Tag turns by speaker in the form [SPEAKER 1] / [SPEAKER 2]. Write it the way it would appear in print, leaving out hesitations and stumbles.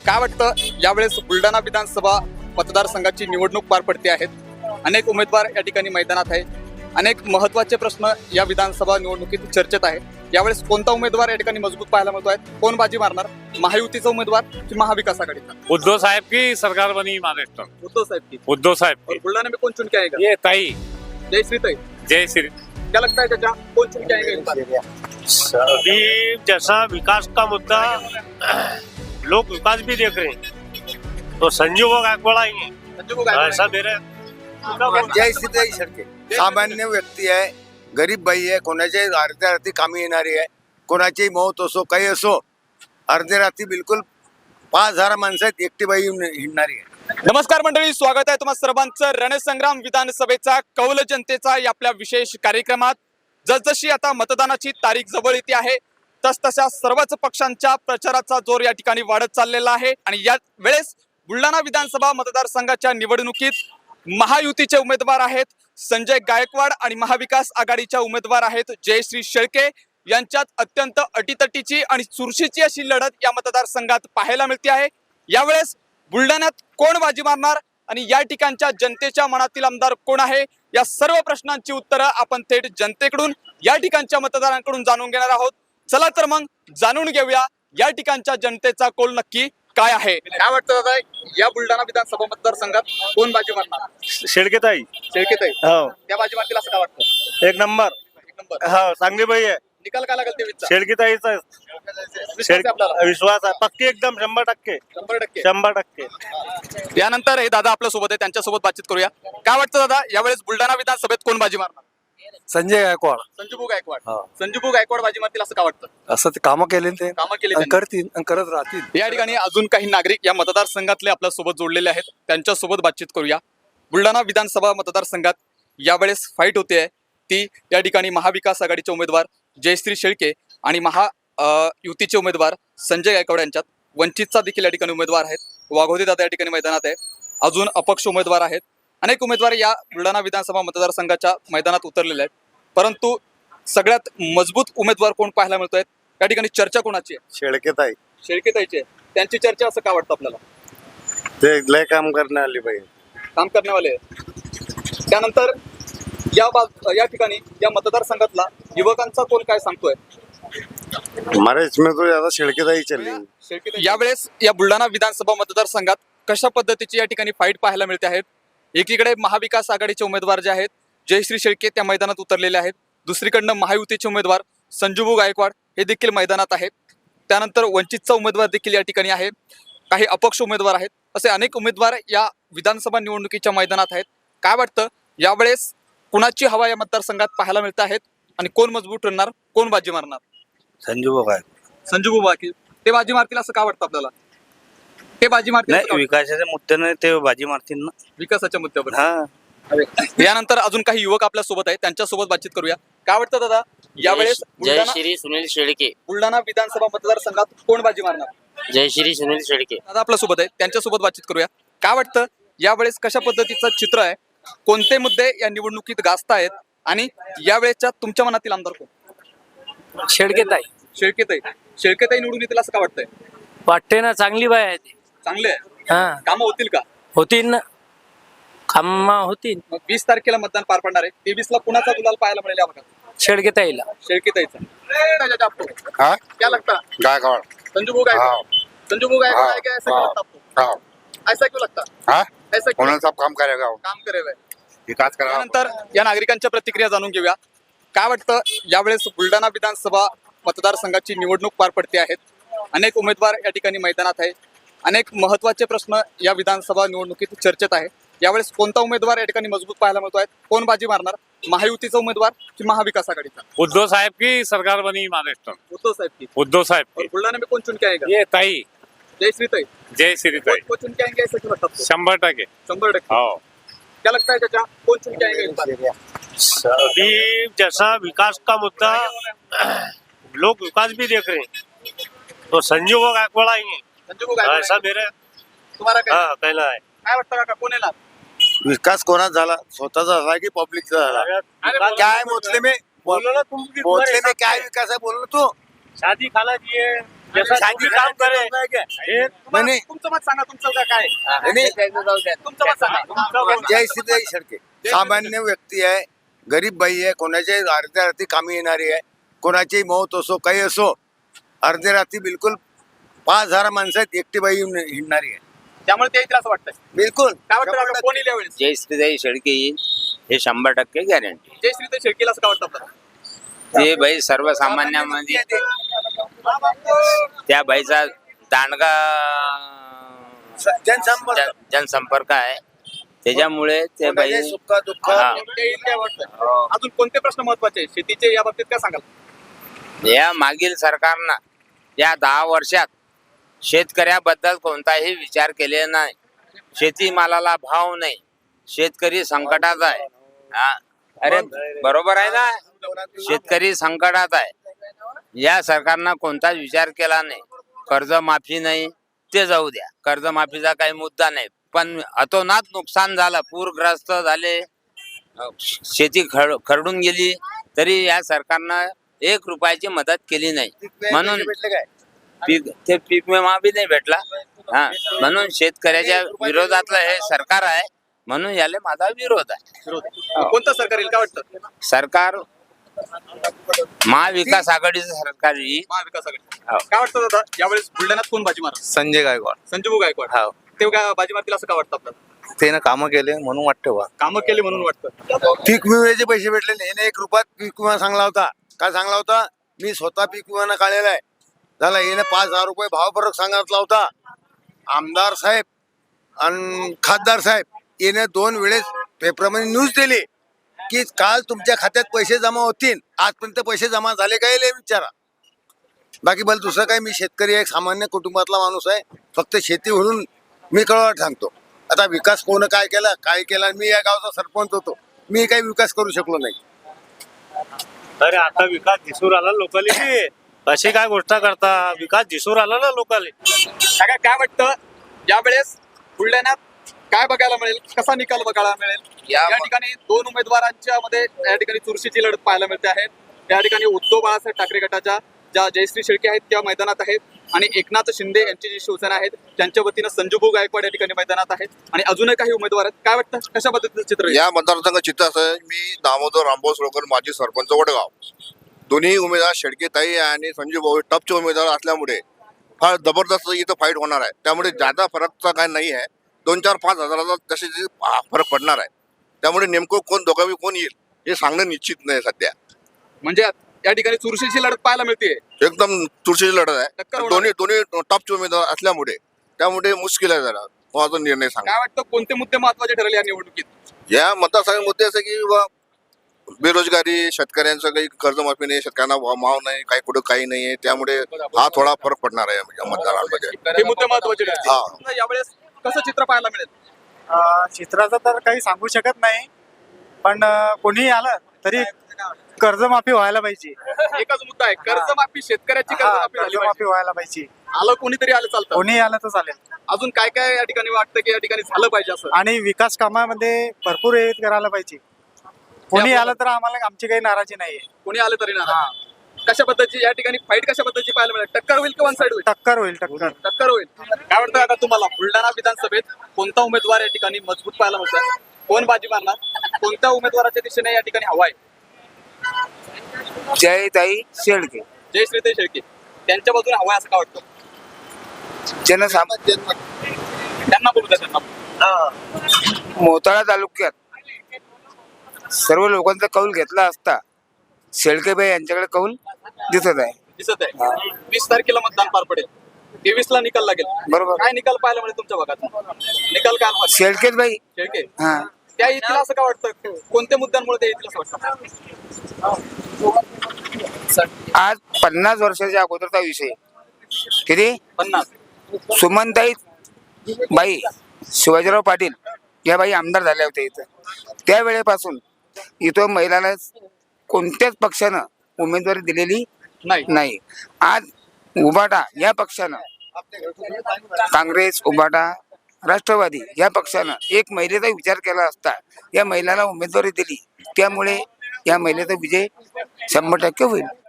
[SPEAKER 1] काय वाटतं यावेळेस बुलढाणा विधानसभा मतदारसंघाची निवडणूक पार पडते आहेत. अनेक उमेदवार या ठिकाणी मैदानात आहे. अनेक महत्त्वाचे प्रश्न या विधानसभा निवडणुकीत चर्चेत आहे. यावेळेस कोणता उमेदवार या ठिकाणी मजबूत पाहायला मिळतो आहे? कोण बाजी मारणार? महायुतीचा उमेदवार की महाविकास आघाड़ीचा?
[SPEAKER 2] उद्धव साहब की सरकार बनी महाराष्ट्र।
[SPEAKER 1] उद्धव साहब की।
[SPEAKER 2] उद्धव साहब
[SPEAKER 1] और
[SPEAKER 2] की।
[SPEAKER 1] बुलढाना में कौन चुन के आएगा?
[SPEAKER 2] ये ताई
[SPEAKER 1] जय श्री ताई।
[SPEAKER 2] जय श्री।
[SPEAKER 1] क्या लगता है चाचा कौन चुन के आएगा इस बार?
[SPEAKER 2] अभी जैसा विकास का मुद्दा लोग विकास भी देख रहे हैं तो संजीव गायकवाड़ आएंगे
[SPEAKER 1] संजू को गायकवाड़
[SPEAKER 2] ऐसा मेरे
[SPEAKER 3] जय सीताई सडके सामान्य व्यक्ती आहे, गरीब बाई आहे, कोणाच्या अर्ध्या रात्री कामी येणारी आहे, कोणाची मौत असो काही असो, अर्ध्या रात्री बिलकुल 5,000 माणसं आहेत, एकटी बाई येऊन हिंडणारी आहे.
[SPEAKER 1] नमस्कार मंडळी, स्वागत आहे तुम्हा सर्वांचं रणसंग्राम विधानसभेचा कौल जनतेचा या आपल्या विशेष कार्यक्रमात. जसजशी आता मतदानाची तारीख जवळ येते आहे तसतशा सर्वच पक्षांच्या प्रचाराचा जोर या ठिकाणी वाढत चाललेला आहे. आणि या वेळेस बुलढाणा विधानसभा मतदारसंघाच्या निवडणुकीत महायुतीचे उमेदवार आहेत संजय गायकवाड आणि महाविकास आघाडीच्या उमेदवार आहेत जयश्री शेळके यांच्यात अत्यंत अटीतटीची आणि चुरशीची अशी लढत या मतदारसंघात पाहायला मिळते आहे. यावेळेस बुलढाण्यात कोण बाजी मारणार आणि या ठिकाणच्या जनतेच्या मनातील आमदार कोण आहे, या सर्व प्रश्नांची उत्तरं आपण थेट जनतेकडून या ठिकाणच्या मतदारांकडून जाणून घेणार आहोत. चला तर मग जाणून घेऊया या ठिकाणच्या जनतेचा कौल नक्की काय आहे. काय वाटतं दादा, या बुलढाणा विधानसभा मतदारसंघात कोण बाजी मारणार?
[SPEAKER 2] शेळकेताई
[SPEAKER 1] शेळकेताई.
[SPEAKER 2] हो
[SPEAKER 1] त्या बाजी मारतील असं काय वाटतं?
[SPEAKER 2] एक नंबर
[SPEAKER 1] एक नंबर.
[SPEAKER 2] हो चांगली बाई आहे
[SPEAKER 1] निकाल काय लागेल तेवीसचा?
[SPEAKER 2] शेळकेताईचा
[SPEAKER 1] विश्वास आहे आपल्याला?
[SPEAKER 2] विश्वास आहे पक्की एकदम 100%.
[SPEAKER 1] 100%.
[SPEAKER 2] 100%.
[SPEAKER 1] यानंतर हे दादा आपल्या सोबत आहे, त्यांच्यासोबत बातचीत करूया. काय वाटतं दादा, यावेळेस बुलढाणा विधानसभेत कोण बाजी मारणार?
[SPEAKER 3] संजय गायकवाड
[SPEAKER 1] संजूभाऊ गायकवाड.
[SPEAKER 3] हा.
[SPEAKER 1] संजूभाऊ गायकवाड बाजी मारतील असं काय वाटतं?
[SPEAKER 3] असं ते कामं केले ते
[SPEAKER 1] कामं केली
[SPEAKER 3] आणि
[SPEAKER 1] त्यांनी.
[SPEAKER 3] करतील आणि करत राहतील.
[SPEAKER 1] या ठिकाणी अजून काही नागरिक या मतदारसंघातले आपल्या सोबत जोडलेले आहेत, त्यांच्यासोबत बातचीत करूया. बुलढाणा विधानसभा मतदारसंघात यावेळेस फाईट होते आहे ती या ठिकाणी महाविकास आघाडीचे उमेदवार जयश्री शेळके आणि युतीचे उमेदवार संजय गायकवाड यांच्यात. वंचितचा देखील या ठिकाणी उमेदवार आहेत. वाघोदे दादा या ठिकाणी मैदानात आहे. अजून अपक्ष उमेदवार आहेत. अनेक उमेदवार या बुलढाणा विधानसभा मतदारसंघाच्या मैदानात उतरलेले आहेत. परंतु सगळ्यात मजबूत उमेदवार कोण पाहायला मिळतोय? या ठिकाणी चर्चा कोणाची आहे?
[SPEAKER 3] शेळकेताई
[SPEAKER 1] शेळकेताईची आहे. त्यांची चर्चा असं काय वाटतं आपल्याला?
[SPEAKER 3] ते लय काम करण्यावाली बाई.
[SPEAKER 1] काम करण्यावाले आहे. त्यानंतर या ठिकाणी या मतदारसंघातला युवकांचा कोण काय सांगतोय?
[SPEAKER 3] हमारे इसमें तो ज्यादा शेळकेताई चली.
[SPEAKER 1] यावेळेस या बुलढाणा विधानसभा मतदारसंघात कशा पद्धतीची या ठिकाणी फाईट पाहायला मिळते आहेत? एकीकडे महाविकास आघाडीचे उमेदवार जे आहेत जयश्री शेळके त्या मैदानात उतरलेले आहेत. दुसरीकडनं महायुतीचे उमेदवार संजूभाऊ गायकवाड हे देखील मैदानात आहेत. त्यानंतर वंचितचा उमेदवार देखील या ठिकाणी आहे. काही अपक्ष उमेदवार आहेत. असे अनेक उमेदवार या विधानसभा निवडणुकीच्या मैदानात आहेत. काय वाटतं यावेळेस कुणाची हवा या मतदारसंघात पाहायला मिळत आहेत आणि कोण मजबूत राहणार, कोण बाजी मारणार?
[SPEAKER 3] संजू बाबा
[SPEAKER 1] संजूभाऊ बाकी ते बाजी मारतील असं काय वाटतं आपल्याला? ते बाजी मारतील असं का वाटतं?
[SPEAKER 2] विकासाच्या मुद्द्याने ते बाजी मारतील ना.
[SPEAKER 1] विकासाच्या मुद्द्यावर.
[SPEAKER 2] हा
[SPEAKER 1] यानंतर अजून काही युवक आपल्या सोबत आहेत, त्यांच्यासोबत बातचीत करूया. काय वाटतं दादा, यावेळेस
[SPEAKER 4] जय श्री सुनील शेळके.
[SPEAKER 1] बुलढाणा विधानसभा मतदारसंघात कोण बाजी मारणार?
[SPEAKER 4] जय श्री सुनील शेळके.
[SPEAKER 1] दादा आपल्या सोबत आहे, त्यांच्यासोबत बातचीत करूया. काय वाटतं यावेळेस कशा पद्धतीचं चित्र आहे? कोणते मुद्दे या निवडणुकीत गाजतायत आणि यावेळेसच्या तुमच्या मनातील आमदार कोण?
[SPEAKER 5] शेळकेताई
[SPEAKER 1] शेळकेताई. शेळकेताई निवडून येतील असं काय वाटतंय?
[SPEAKER 5] वाटते ना, चांगली बाय आहे ती.
[SPEAKER 1] चांगले आहे.
[SPEAKER 5] हा
[SPEAKER 1] कामं होतील का?
[SPEAKER 5] होतीन ना, कामा होतीन.
[SPEAKER 1] मग 20 तारखेला मतदान पार पडणार आहे. 23ला कुणाचा गुलाल पाहायला मिळेल या भागात?
[SPEAKER 5] शेळकेताईला.
[SPEAKER 1] शेळकेताईचा.
[SPEAKER 3] हाँ
[SPEAKER 1] क्या लगता है?
[SPEAKER 3] गायकवाड.
[SPEAKER 1] संजूभाऊ गायकवाड. संजूभाऊ गायकवाड है क्या? ऐसा क्यों लगता है आपको? ऐसा क्यों लगता है?
[SPEAKER 3] हाँ
[SPEAKER 1] ऐसा क्यों?
[SPEAKER 3] कोणाचं काम करेगा,
[SPEAKER 1] काम करे हुए.
[SPEAKER 3] विकास करा.
[SPEAKER 1] त्यानंतर या नागरिकांच्या प्रतिक्रिया जाणून घेऊया. काय वाटतं यावेळेस बुलढाणा विधानसभा मतदारसंघाची निवडणूक पार पडते आहेत. अनेक उमेदवार या ठिकाणी मैदानात आहे. अनेक महत्त्वाचे प्रश्न या विधानसभा निवडणुकीत चर्चेत आहे. यावेळेस कोणता उमेदवार या ठिकाणी मजबूत पाहायला मिळतो आहे? कोण बाजी मारणार? महायुतीचा उमेदवार की महाविकास आघाडीचा?
[SPEAKER 2] उद्धव साहब की सरकार बनी महाराष्ट्र।
[SPEAKER 1] उद्धव साहब की।
[SPEAKER 2] उद्धव साहब
[SPEAKER 1] और
[SPEAKER 2] की।
[SPEAKER 1] बुलढाना में कौन चुन के आएगा?
[SPEAKER 2] ये ताई
[SPEAKER 1] जय श्री ताई।
[SPEAKER 2] जय श्री ताई
[SPEAKER 1] कौन चुन के आएंगे ऐसा क्यों लगता है?
[SPEAKER 2] 100%।
[SPEAKER 1] 100%।
[SPEAKER 2] हाँ
[SPEAKER 1] क्या लगता है चाचा कौन चुन के आएगा इस बार?
[SPEAKER 2] अभी जैसा विकास का मुद्दा लोग विकास भी देख रहे हैं तो संजीव गायकवाड़ आएंगे
[SPEAKER 1] संजू को गायकवाड
[SPEAKER 2] ऐसा
[SPEAKER 1] आहे.
[SPEAKER 2] मेरे
[SPEAKER 1] तुम्हाला काय
[SPEAKER 2] हाँ कहना है।
[SPEAKER 1] काय वाटतं काका कोण येणार?
[SPEAKER 3] विकास कोणाचा झाला, स्वतःचा झाला की पब्लिकचा झाला? क्या है मोतले में,
[SPEAKER 2] बोलो ना तुम भी
[SPEAKER 3] मोतले में क्या है विकास है, बोल तू.
[SPEAKER 2] शादी खाना दिए साधी काम करे हे
[SPEAKER 3] नाही.
[SPEAKER 1] तुमचं मत सांगा, तुमचं काय
[SPEAKER 3] नाही.
[SPEAKER 1] तुमचं मत सांगा.
[SPEAKER 3] जय श्रीताई शेळके सामान्य व्यक्ती आहे, गरीब बाई आहे, कोणाच्याही अर्ध्या रात्री कामी येणारी आहे, कोणाची मौत असो काही असो, अर्ध्या रात्री बिलकुल 5,000 माणसात एकटी बाई येऊन हिंडणारी आहे.
[SPEAKER 1] त्यामुळे ते येतील असं वाटतंय.
[SPEAKER 3] बिलकुल
[SPEAKER 1] काय वाटतं काका, कोण येईल यावेळेस?
[SPEAKER 4] जय श्रीताई शेळके येईल हे 100% गॅरंटी.
[SPEAKER 1] जय श्री शेळकेला असं काय वाटतं आपल्याला?
[SPEAKER 4] ते बाई सर्वसामान्यामध्ये त्या बाईचा दांडगा
[SPEAKER 3] जनसंपर्क
[SPEAKER 4] जनसंपर्क आहे, त्याच्यामुळे ते बाई
[SPEAKER 3] कोणाच्याही सुख दुःख
[SPEAKER 4] हा.
[SPEAKER 1] ते येईल काय वाटतं? अजून कोणते प्रश्न महत्वाचे आहेत शेतीचे, या बाबतीत काय सांगाल?
[SPEAKER 4] या मागील सरकारनं या 10 वर्षात शेतकऱ्याबद्दल कोणताही विचार केलेला नाही. शेतीमालाला भाव नाही, शेतकरी संकटात आहे. हा, अरे बरोबर आहे ना, शेतकरी संकटात आहे. या सरकारनं कोणताच विचार केला नाही. कर्जमाफी नाही ते जाऊ द्या, कर्जमाफीचा काही मुद्दा नाही, पण अतोनात नुकसान झालं, पूरग्रस्त झाले, शेती खरडून गेली, तरी या सरकारनं 1 रुपयाची मदत केली नाही. म्हणून
[SPEAKER 3] भेटले काय
[SPEAKER 4] ते पीक विमा बी नाही भेटला. हा, म्हणून शेतकऱ्याच्या विरोधातलं हे सरकार आहे, म्हणून याला माझा विरोध आहे.
[SPEAKER 1] कोणतं सरकार येईल काय वाटतं?
[SPEAKER 4] सरकार महाविकास आघाडीचं सरकार येईल.
[SPEAKER 1] महाविकास आघाडी.
[SPEAKER 4] हो.
[SPEAKER 1] काय वाटतं दादा, यावेळेस बुलढाण्यात कोण बाजी मार?
[SPEAKER 6] संजय गायकवाड.
[SPEAKER 1] संजीव गायकवाड.
[SPEAKER 6] हो.
[SPEAKER 1] ते काय बाजी मारतील असं काय वाटतं आपल्याला?
[SPEAKER 6] त्यानं कामं केले म्हणून वाटतं बा.
[SPEAKER 1] कामं केली म्हणून वाटतं.
[SPEAKER 3] पीक विम्याचे पैसे भेटले नाही. याने 1 रुपयात पीक विमा सांगला होता. काय सांगला होता? मी स्वतः पीक विमा काढलेला आहे. झाला याने 5,000 रुपये भाव फरक सांगितला होता. आमदार साहेब आणि खासदार साहेब याने 2 वेळेस पेपरमध्ये न्यूज दिली की काल तुमच्या खात्यात पैसे जमा होतील, आजपर्यंत पैसे जमा झाले काय हे विचारा. बाकी बल दुसरं काय, मी शेतकरी आहे, सामान्य कुटुंबातला माणूस आहे, फक्त शेती म्हणून मी कळवाट सांगतो. आता विकास कोण काय केला, मी या गावचा सरपंच होतो, मी काही विकास करू शकलो नाही.
[SPEAKER 2] अरे आता विकास दिसून आला लोकांनी, अशी काय गोष्ट करता, विकास दिसून आला ना लोकांनी.
[SPEAKER 1] काय काय वाटतं यावेळेस बुलढाण्यात काय बघायला मिळेल, कसा निकाल बघायला मिळेल? या ठिकाणी 2 उमेदवारांच्या मध्ये या ठिकाणी चुरशीची लढत पाहायला मिळते आहे. त्या ठिकाणी उद्धव बाळासाहेब ठाकरे गटाच्या ज्या जयश्री शेळके आहेत त्या मैदानात आहेत, आणि एकनाथ शिंदे यांची जी शिवसेना आहेत त्यांच्या वतीनं संजूभाऊ गायकवाड या ठिकाणी मैदानात आहेत, आणि अजूनही काही उमेदवार आहेत. काय वाटतं, कशा पद्धतीचं चित्र आहे?
[SPEAKER 7] या मतदारसंघ चित्र असं आहे, मी दामोदर रामभाऊ सोळकर, माजी सरपंच वडगाव. दोन्ही उमेदवार शेळकेताई आणि संजू भाऊ टपचे उमेदवार असल्यामुळे फार जबरदस्त इथं फाईट होणार आहे. त्यामुळे जादा फरकचा काय नाही आहे, 2-4-5 हजाराचा तसे फरक पडणार आहे. त्यामुळे नेमकं कोण दोघांनी कोण येईल हे सांगणं निश्चित नाही सध्या.
[SPEAKER 1] म्हणजे या ठिकाणी चुरशीची लढत पाहायला मिळते.
[SPEAKER 7] एकदम तुळशीची लढत
[SPEAKER 1] टक्कर
[SPEAKER 7] आहे,
[SPEAKER 1] होणार.
[SPEAKER 7] दोन्ही टॉपचे उमेदवार असल्यामुळे त्यामुळे मुश्किल आहे जरा कोणाचा निर्णय सांगा.
[SPEAKER 1] काय वाटतं, कोणते मुद्दे महत्वाचे ठरले या निवडणुकीत?
[SPEAKER 7] या मतदारसंघात मुद्दे असे की बेरोजगारी, शेतकऱ्यांचं काही कर्जमाफी नाही, शेतकऱ्यांना भाव नाही, काही कुठं काही नाही आहे, त्यामुळे हा थोडा फरक पडणार आहे या मतदारांमध्ये.
[SPEAKER 1] हे मुद्दे महत्वाचे ठरले.
[SPEAKER 7] हा.
[SPEAKER 1] यावेळेस कसं चित्र पाहायला मिळेल?
[SPEAKER 8] चित्राचं तर काही सांगू शकत नाही, पण कोणी आलं तरी कर्जमाफी व्हायला पाहिजे.
[SPEAKER 1] एकच मुद्दा आहे, कर्जमाफी, शेतकऱ्याची कर्जमाफी झाली
[SPEAKER 8] कर्जमाफी
[SPEAKER 1] पाहिजे.
[SPEAKER 8] व्हायला पाहिजे.
[SPEAKER 1] आलं कोणीतरी आलं चालतं.
[SPEAKER 8] कोणी आलं तर चालेल.
[SPEAKER 1] अजून काय काय या ठिकाणी वाटतं की या ठिकाणी झालं पाहिजे असं?
[SPEAKER 8] आणि विकास कामामध्ये भरपूर हे करायला पाहिजे. कोणी आलं तर आम्हाला आमची काही नाराजी नाहीये.
[SPEAKER 1] कोणी आलं तरी ना. कशा पद्धतीची या ठिकाणी फाईट कशा पद्धतीची पाहायला मिळेल? टक्कर होईल की वन साइड होईल?
[SPEAKER 8] टक्कर होईल, टक्कर.
[SPEAKER 1] टक्कर होईल. काय वाटतं आता तुम्हाला, बुलढाणा विधानसभेत कोणता उमेदवार या ठिकाणी मजबूत पाहायला मिळतोय? कोण बाजी मारणार? कोणत्या उमेदवाराच्या दिशेने या ठिकाणी हवा आहे?
[SPEAKER 9] जयताई शेळके.
[SPEAKER 1] जय श्रीताई शेळके त्यांच्या बाजूने हवा आहे असं का वाटतं? त्यांना बोलू द्या, त्यांना.
[SPEAKER 9] मोताळा तालुक्यात सर्व लोकांचा कौल घेतला असता शेळकेबाई यांच्याकडे कौल दिसत आहे.
[SPEAKER 1] दिसत आहे. 20 तारखेला मतदान पार पडेल, 23 ला निकाल लागेल.
[SPEAKER 9] बरोबर.
[SPEAKER 1] काय निकाल पाहायला मिळेल तुमच्या भागात? निकाल काय पाहिजे?
[SPEAKER 9] शेळकेच बाई.
[SPEAKER 1] शेळके
[SPEAKER 9] हा,
[SPEAKER 1] त्या येतील असं का वाटतं? कोणत्या मुद्द्यांमुळे त्या येतील असं वाटतं?
[SPEAKER 9] आज 50 वर्षाच्या अगोदरचा विषय. किती?
[SPEAKER 1] 50.
[SPEAKER 9] सुमनताई बाई शिवाजीराव पाटील या बाई आमदार झाल्या होत्या इथं. त्यावेळेपासून इथं महिलांना कोणत्याच पक्षानं उमेदवारी दिलेली नाही. आज उबाटा या पक्षानं, काँग्रेस, उबाटा, राष्ट्रवादी या पक्षानं एक महिलेचा विचार केला असता या महिलाला उमेदवारी दिली, त्यामुळे या महिलेचा विजय 100% होईल.